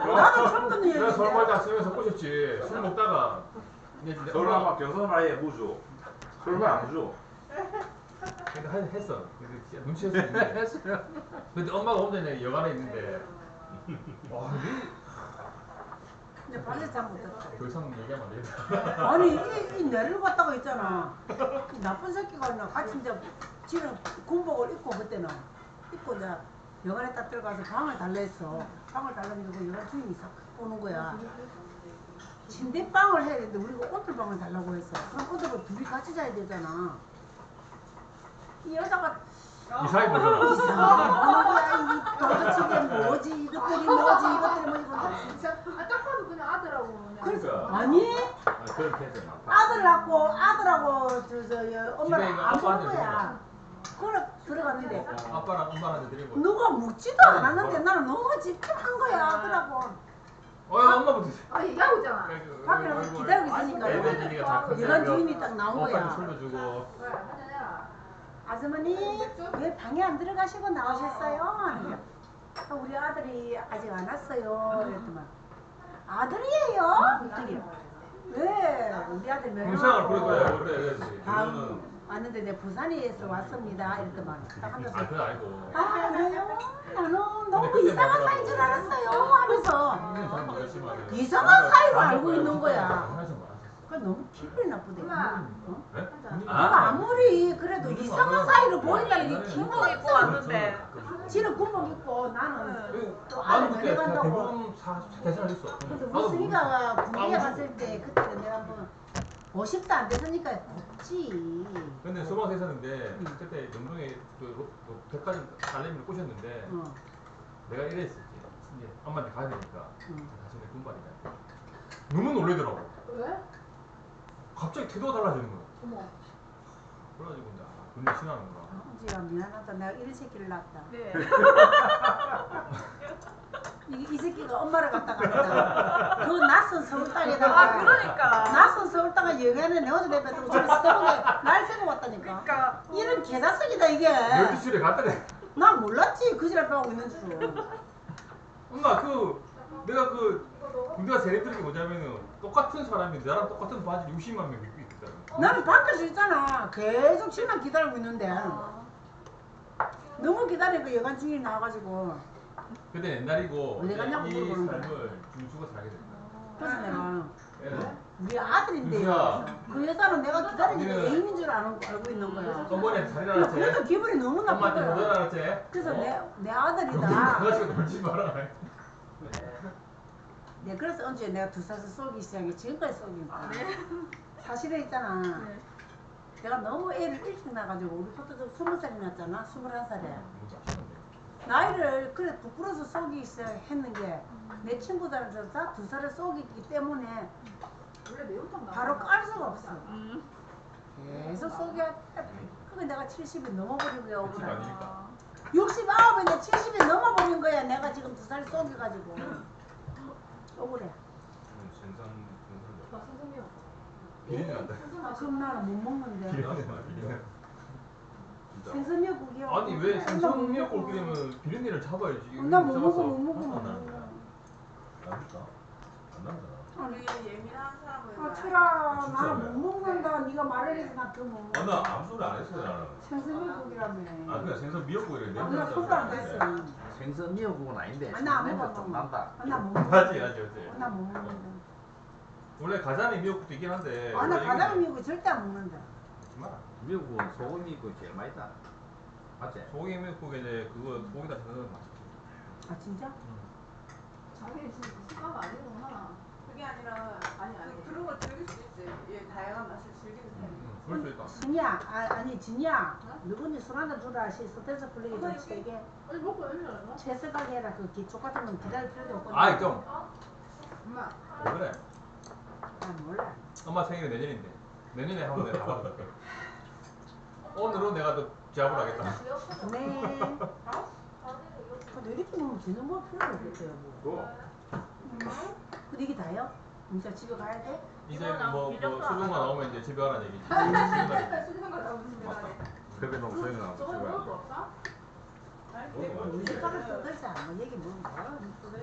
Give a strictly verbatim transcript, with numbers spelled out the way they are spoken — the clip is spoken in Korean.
나도 처음 듣는 내가 서울 얘기인데. 말다 쓰면서 꼬셨지. 술 먹다가 이제 서울 엄마 막 경선 말에 무주. 서울 말안 무주. 근데 하- 했어. 근데 진짜 눈치 챘었는데. 했어요. 근데 엄마가 혼자 이제 여관에 있는데 와, 니 근데 밤새 잠 못 잤다. 더 이상 얘기하면 안 되겠다. 아니 이, 이 내를 갖다가 있잖아. 이 나쁜 새끼가 있나 같이 이제 지는 군복을 입고 그때는 입고 이제 여관에 딱 들어가서 방을 달라 했어. 방을 달라면 그 여관 주인이 싹 오는 거야. 침대방을 해야 되는데 우리가 오돌방을 달라고 했어. 그럼 오돌을 둘이 같이 자야 되잖아. 이 여자가 이사해 보잖아. 이상한 거야. 이 도대체 이게 뭐지? 이것들이 뭐지? 이것들이 뭐지? 아 진짜 아 딱 봐도 그냥 아들하고 그냥 그래서 그러니까. 아니 아, 그런 케이스 많다. 아들하고 아들하고 저저 집에 엄마를 있는 안 보는 아빠한테 거야. 그래 들어갔는데 아빠랑 엄마한테 드리고. 누가 묻지도 않았는데 나는 너무 집중한 거야. 그러고 어, 엄마부터. 아 얘기하고 있잖아. 밖에 나가서 기다리고 있으니까 애들이니까 다 컸어요. 여관 주인이 딱 나온 엄마한테 거야. 술도 주고. 그래 한잔해라. 아주머니 왜 방에 안 들어가시고 나오셨어요? 하는 거야. 아, 우리 아들이 아직 안 왔어요. 그랬더만 아들이에요? 그랬더니 왜 우리 아들 불쌍을 부를 거야. 면허하고 원래 그래야지. 방 왔는데 내 부산에서 왔습니다. 이랬더만 딱 하면서 아, 그건 아니고. 아 그래요? 나는 너무 그때 이상한 말하더라고. 사이인 줄 알았어요 하면서 이게 잘 모르겠지만. 이상한 사이로 알고 있는 거야. 하면서 말았었어. 그 너무 기분이 나쁘대. 엄마. 어? 네? 아. 내가 아무리 그래도 무슨 이상한 말이야. 사이로 보인다는 게 나는 기분이 군복 입고 왔는데. 지는 군복 입고 나는 그, 또 나는 아들 그때 면회 간다고. 대부분 사 계산을 했어. 그래서 나도 우승이가 군대에 모르겠어. 갔을 때 그때는 내가 한번 오십도 안 됐으니까 덥지. 근데 소방서 있었는데 응. 그때 영동에 그, 로- 그 백화점 딸내미를 꼬셨는데 어. 내가 이랬었지. 이제 엄마한테 가야 되니까 응. 다시 내 군발이다. 너무 놀래더라고. 왜? 갑자기 태도가 달라지는 거야. 어머. 그래가지고 이제 아, 군대 신하는구나. 엄지야 미안하다. 내가 이런 새끼를 낳았다. 네. 이, 이 새끼가 엄마를 갖다 갔다. 그 낯선 서울 땅에다가. 아 그러니까. 낯선 서울 땅에 여기에는 내 어제 내뱉고 저기 서울에 날 새고 왔다니까. 그러니까. 이런 개자식이다 이게. 열두 시에 갔더니 난 몰랐지 그 지랄 빼고 있는 줄. 엄마 그 내가 그 군대가 제일 힘든 게 뭐냐면은 똑같은 사람이 나랑 똑같은 바지 육십만 명 입고 있거든. 나는 밖에서 있잖아. 계속 집만 기다리고 있는데. 너무 기다리고 여관 중이 나와가지고. 근데 옛날이고 왜 이제 갔냐고 이 물어보는 거야. 삶을 준수가 살게 된다. 그래서 내가 얘는 우리 아들인데 유수야. 그 여자는 내가 기다리는 게 우리는- 애인인 줄 아는, 알고 있는 거야. 어머니한테 잘 근데 그래도 일어났지? 기분이 너무 엄마한테 잘 나쁘더라. 일어났지? 그래서 어? 내, 내 여기 아들이다. 가가지고 놀지 마라. 네, 그래서 언제 내가 두 살서 쏘기 시작해. 지금까지 쏘기 거야. 사실은 있잖아. 네. 내가 너무 애를 일찍 낳아가지고 우리 포도도 스무 살이 났잖아. 스물한 살에. 뭐지 아시는데? 나이를 그래 부풀어서 쏘기 시작했는 게 내 친구들한테 다 두 살에 쏘기기 때문에 원래 매운탕 나. 바로 깔 수가 없어. 음. 계속 쏘기 그게 내가 칠십이 넘어버린 거야. 육십 오늘. 아니니까. 육십구인데 칠십이 넘어버린 거야. 내가 지금 두 살 쏘겨가지고. 억울해. 생선 나 생선미역. 비린내 난다. 아, 그럼 나는 못 먹는데. 비린내 나 비린내. 진짜. 생선미역국이야. 아니 왜 생선 미역국 끓이면 비린내를 잡아야지. 나못 먹어, 잡았어. 못 먹어, 하나도 못 안 나는데. 먹어. 나니까 안 나잖아. 우리 예민한 사람은. 아, 철아, 진짜 나는 못 왜? 먹는다. 네가 말을 해서 나 그거 못 먹어. 아, 나 아무 소리 안 했어요 나는. 생선미역국이라며. 아 그냥 생선 미역국이래. 아, 나 손도 안 댔어. 생선 미역국은 아닌데 아, 나안 냄새 먹어. 좀 난다. 아, 나못 먹어. 맞지 맞지 맞지. 아, 나못 먹는다. 원래 가자미 미역국도 있긴 한데. 아, 나 원래 가자미 이게- 미역국 절대 안 먹는다. 하지 마라. 미역국은 소금 미역국이 제일 맛있다. 맞지? 소고기 미역국에 이제 그거 소고기다 넣으면 맛있지. 아, 진짜? 자기 지금 식감 아니구나. 그게 아니라 아니 아니. 그, 그런 걸 즐길 수 있지. 얘 다양한 맛을 즐기는 사람이. 응, 그럴 수 있다. 진이야, 아, 아니 진이야. 누군지 술 한잔 주라. 시 스트레스 풀리게 좀 엄마, 여기- 세게. 아니 먹고 있는 거 채색하게 해라. 그 기초 같은 건 기다릴 필요도 없고. 아이 좀. 엄마. 왜 그래? 아, 몰라. 엄마 생일이 내년인데. 내년에 한번 내가 다 받아줄게. 오늘은 내가 또 제압을 하겠다. 네. 근데 이렇게 먹으면 지는 뭐 필요가 없겠어요, 뭐. 또 근데 이게 다요? 진짜 집에 가야 돼? 이제 이거는 뭐, 뭐 미력도 안 수능만 하고. 나오면 이제 집에 가라는 얘기지. 수능 거 나오면 집에 맞다. 가네. 그래 너무 소용이 나서 저거 집에 먹을 안 거 돼. 없어? 어, 우리 집 가서 써들자. 뭐 얘기 뭐. 뭐.